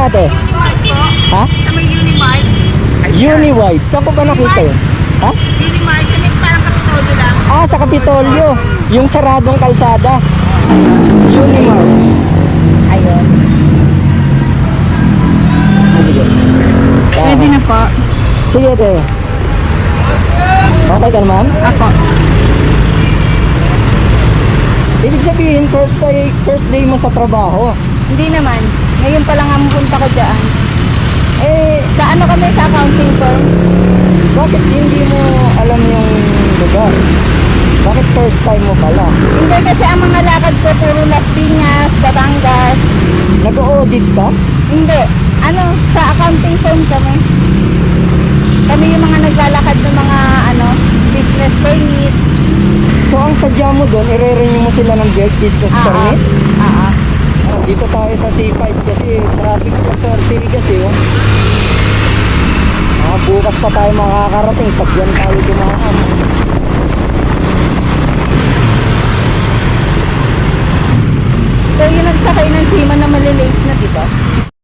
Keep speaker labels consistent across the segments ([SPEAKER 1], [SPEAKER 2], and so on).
[SPEAKER 1] ate?
[SPEAKER 2] Unimart po.
[SPEAKER 1] Ha?
[SPEAKER 2] Sa may Unimart.
[SPEAKER 1] Uniwide. Saan ko ba nakita yun? Ha?
[SPEAKER 2] Unimart. Sa may parang Kapitolyo lang.
[SPEAKER 1] Ah, sa Kapitolyo. Yung saradong kalsada. Unimart. Ayun. Sige.
[SPEAKER 2] Pwede na po.
[SPEAKER 1] Sige, ate. Okay ka naman?
[SPEAKER 2] Ako.
[SPEAKER 1] Ibig sabihin, first day mo sa trabaho.
[SPEAKER 2] Hindi naman. Ngayon pa lang ang punta ko dyan.
[SPEAKER 1] Eh,
[SPEAKER 2] Sa ano kami sa accounting firm?
[SPEAKER 1] bakit hindi mo alam yung lugar? Bakit first time mo pala?
[SPEAKER 2] Hindi kasi ang mga lakad ko puro Las Piñas, Batangas.
[SPEAKER 1] Nag-audit ka?
[SPEAKER 2] Hindi. Ano, sa accounting firm kami. Kami yung mga naglalakad ng mga business permit.
[SPEAKER 1] So, ang sadya mo doon, i-renew mo sila ng business permit? Dito tayo sa C5 kasi traffic dyan sa Ortigas eh. Oh. Bukas pa tayo makakarating pag yan tayo dumaan.
[SPEAKER 2] So yung nagsakay ng Sima na malilate na, di ba?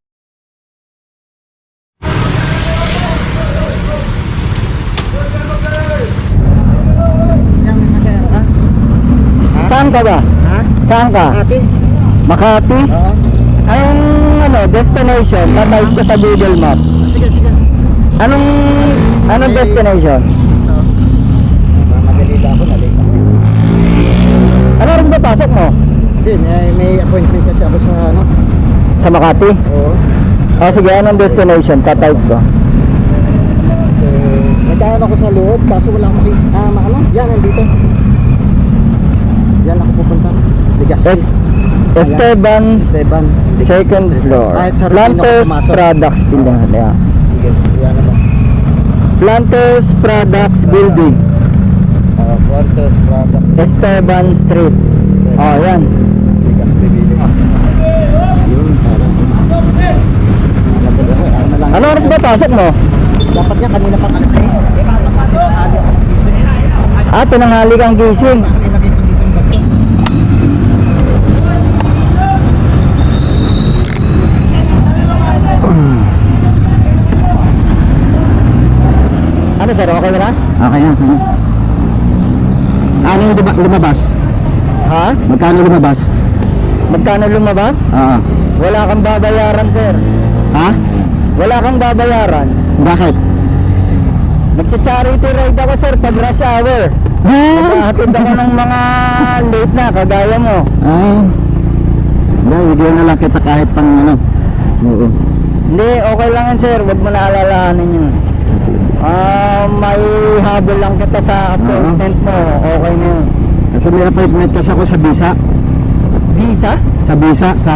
[SPEAKER 1] Saan ka ba?
[SPEAKER 3] Ha?
[SPEAKER 1] Saan ka?
[SPEAKER 3] Ate?
[SPEAKER 1] Makati?
[SPEAKER 3] Oo.
[SPEAKER 1] Anong destination? Tatype ko sa Google Map.
[SPEAKER 3] Sige, sige.
[SPEAKER 1] Anong destination?
[SPEAKER 3] Mamadali lang ako, nalate ako.
[SPEAKER 1] Ano oras ba pasok mo?
[SPEAKER 3] Hindi, may appointment kasi ako sa ano.
[SPEAKER 1] Sa Makati?
[SPEAKER 3] Oo.
[SPEAKER 1] Sige, anong destination? Tatype ko.
[SPEAKER 3] So, nagkaroon ako sa loob, kaso wala akong ano? Yan, nandito. Yan ako pupunta. Ligas.
[SPEAKER 1] Esteban's
[SPEAKER 3] Esteban.
[SPEAKER 1] second floor.
[SPEAKER 3] Kahit sa Rufino
[SPEAKER 1] Planters
[SPEAKER 3] ako pumasok.
[SPEAKER 1] Products Building. Yeah.
[SPEAKER 3] Sige, yan naman.
[SPEAKER 1] Planters Products Building.
[SPEAKER 3] Quarters, product.
[SPEAKER 1] Esteban Street. Oh, yan.
[SPEAKER 3] Ligas, bibili. Yun, parang.
[SPEAKER 1] Ano oras ba pasok mo?
[SPEAKER 3] Dapat nga kanina pang alas 6. Tinanghali akong gising.
[SPEAKER 1] Tinanghali kang gising.
[SPEAKER 3] Ilagay ko dito yung bag ko.
[SPEAKER 1] Ano sir, okay na?
[SPEAKER 3] Okay na. Ano yung lumabas?
[SPEAKER 1] Ha?
[SPEAKER 3] Magkano lumabas?
[SPEAKER 1] Magkano lumabas?
[SPEAKER 3] Oo.
[SPEAKER 1] Wala kang babayaran sir.
[SPEAKER 3] Ha?
[SPEAKER 1] Wala kang babayaran.
[SPEAKER 3] Bakit?
[SPEAKER 1] Magsa-charity ride ako sir pag rush hour. Maghahatid ako ng mga late na kagaya mo.
[SPEAKER 3] Ay. Hindi, bigyan na lang kita kahit pang ano. Oo.
[SPEAKER 1] Hindi, okay lang yan sir. Huwag mo na alalahanin yun. May habol lang kita sa appointment mo. Okay na yun.
[SPEAKER 3] Kasi may appointment kasi ako sa Bisa.
[SPEAKER 1] Visa?
[SPEAKER 3] Sa Bisa, sa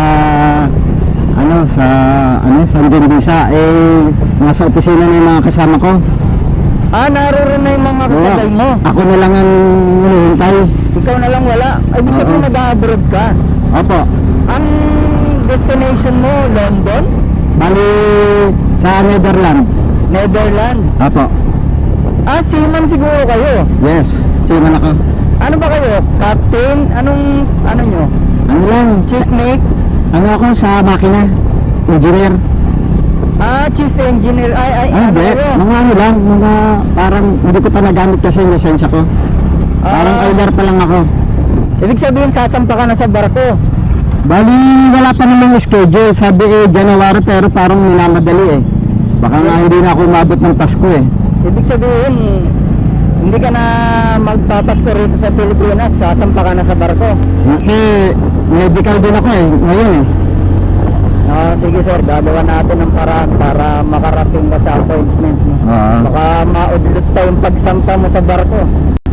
[SPEAKER 3] San John Bisa. Nasa opisina na yung mga kasama ko.
[SPEAKER 1] Naroon na yung mga kasabay mo.
[SPEAKER 3] Ako na lang ang hinihintay.
[SPEAKER 1] Ikaw na lang wala. Ibig sabihin mag-abroad ka.
[SPEAKER 3] Opo.
[SPEAKER 1] Ang destination mo, London?
[SPEAKER 3] Bali sa Netherlands.
[SPEAKER 1] Netherlands?
[SPEAKER 3] Opo.
[SPEAKER 1] Seaman siguro kayo.
[SPEAKER 3] Yes. Siman ako.
[SPEAKER 1] Ano ba kayo? Captain? Ano nyo?
[SPEAKER 3] Ano lang?
[SPEAKER 1] Chief mate?
[SPEAKER 3] Ano ako sa makina? Engineer.
[SPEAKER 1] Chief engineer. Ano
[SPEAKER 3] Hindi.
[SPEAKER 1] kayo?
[SPEAKER 3] Mga ano lang. Mga parang hindi ko pa nagamit kasi yung lisensya ko. Parang elder pa lang ako.
[SPEAKER 1] Ibig sabihin sasampa ka na sa barko.
[SPEAKER 3] Bali, wala pa namang schedule. Sabi January pero parang minamadali eh. Baka nga hindi na ako umabot ng Pasko eh.
[SPEAKER 1] Ibig sabihin, hindi ka na magpapasko rito sa Pilipinas, sasampa ka na sa barko.
[SPEAKER 3] Kasi medical din ako eh, ngayon eh.
[SPEAKER 1] Sige sir, gagawa natin ng paraan para makarating ka sa appointment mo. Baka maudlot pa yung pagsampa mo sa barko.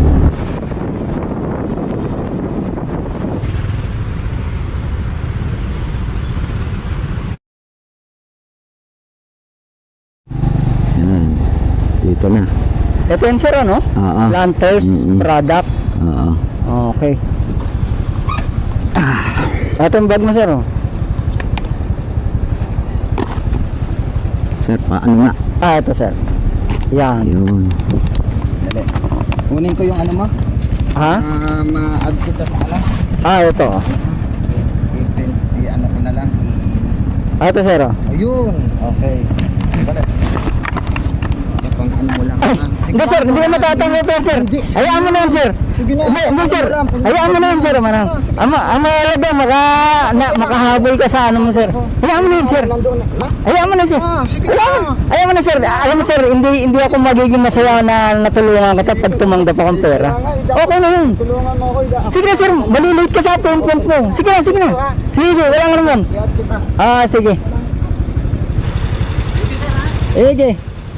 [SPEAKER 3] Dito na.
[SPEAKER 1] Ito yun sir, ano?
[SPEAKER 3] Oo.
[SPEAKER 1] Planters Product.
[SPEAKER 3] Oo.
[SPEAKER 1] Okay. Ito yung bag mo sir, oh.
[SPEAKER 3] Sir, paano nga?
[SPEAKER 1] Ito sir. Yan.
[SPEAKER 3] Yun. Dali. Kunin ko yung ano mo.
[SPEAKER 1] Ha?
[SPEAKER 3] Ma-add kita sa alam.
[SPEAKER 1] Ito.
[SPEAKER 3] I-ano ko na lang. Ah, ito sir. Oh.
[SPEAKER 1] Ayun. Okay. Balik. Pang ano mo lang.
[SPEAKER 3] Hindi sir, hindi na matatanggap yan sir. Hayaan mo na yan sir.
[SPEAKER 1] Sige na.
[SPEAKER 3] Hindi sir, hayaan mo na yan sir. Manang. Ang mahalaga, makahabol ka sa ano mo sir. Hayaan mo na yan sir.
[SPEAKER 1] Nandoon na.
[SPEAKER 3] Hayaan mo na sir.
[SPEAKER 1] Sige
[SPEAKER 3] Hayaan mo na sir. Alam mo sir, hindi ako magiging masaya na natulungan kita pag tumanggap akong pera. Okay na yun.
[SPEAKER 1] Tulungan mo ako.
[SPEAKER 3] Sige na sir, malilate ka sa appointment mo. Sige na, sige na. Sige, wala nga naman.
[SPEAKER 1] Iat kita.
[SPEAKER 3] Ah, sige. Sige.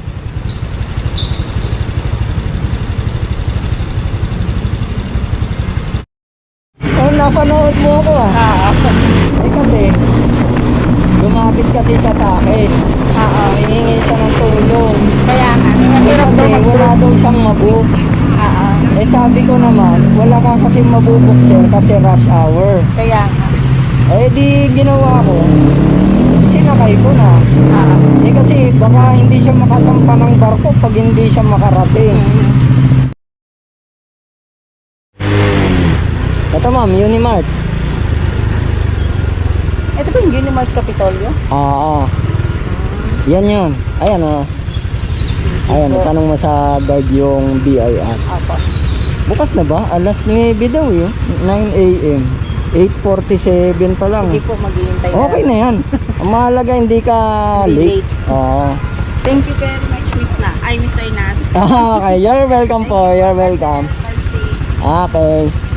[SPEAKER 1] Oh, napanood mo ako ah. Eh kasi, lumapit kasi siya sa akin. Hihingi siya ng tulong.
[SPEAKER 2] Kaya nga,
[SPEAKER 1] Eh,
[SPEAKER 2] mahirap daw
[SPEAKER 1] kasi wala daw siyang mabook. Eh sabi ko naman, wala ka kasi mabubok sir kasi rush hour.
[SPEAKER 2] Kaya nga.
[SPEAKER 1] Eh di ginawa ko, sinakay ko na. Eh kasi baka hindi siya makasampa ng barko pag hindi siya makarating. Ito ma'am, Unimart.
[SPEAKER 2] Ito ba yung Unimart Capitolio?
[SPEAKER 1] Oo. Yan yun. Ayan oh. Ayan, tanong mo sa guard yung BIR.
[SPEAKER 2] Apo.
[SPEAKER 1] Bukas na ba? Alas 9 daw yun. 9 a.m. 8:47 pa lang.
[SPEAKER 2] Sige po, maghihintay na.
[SPEAKER 1] Okay na yan. Ang mahalaga hindi ka
[SPEAKER 2] Hindi
[SPEAKER 1] late. Oo.
[SPEAKER 2] Thank you very much, Miss Na. Ay, Mr. Nas.
[SPEAKER 1] Okay, you're welcome po. You're welcome.
[SPEAKER 2] Birthday.
[SPEAKER 1] Okay.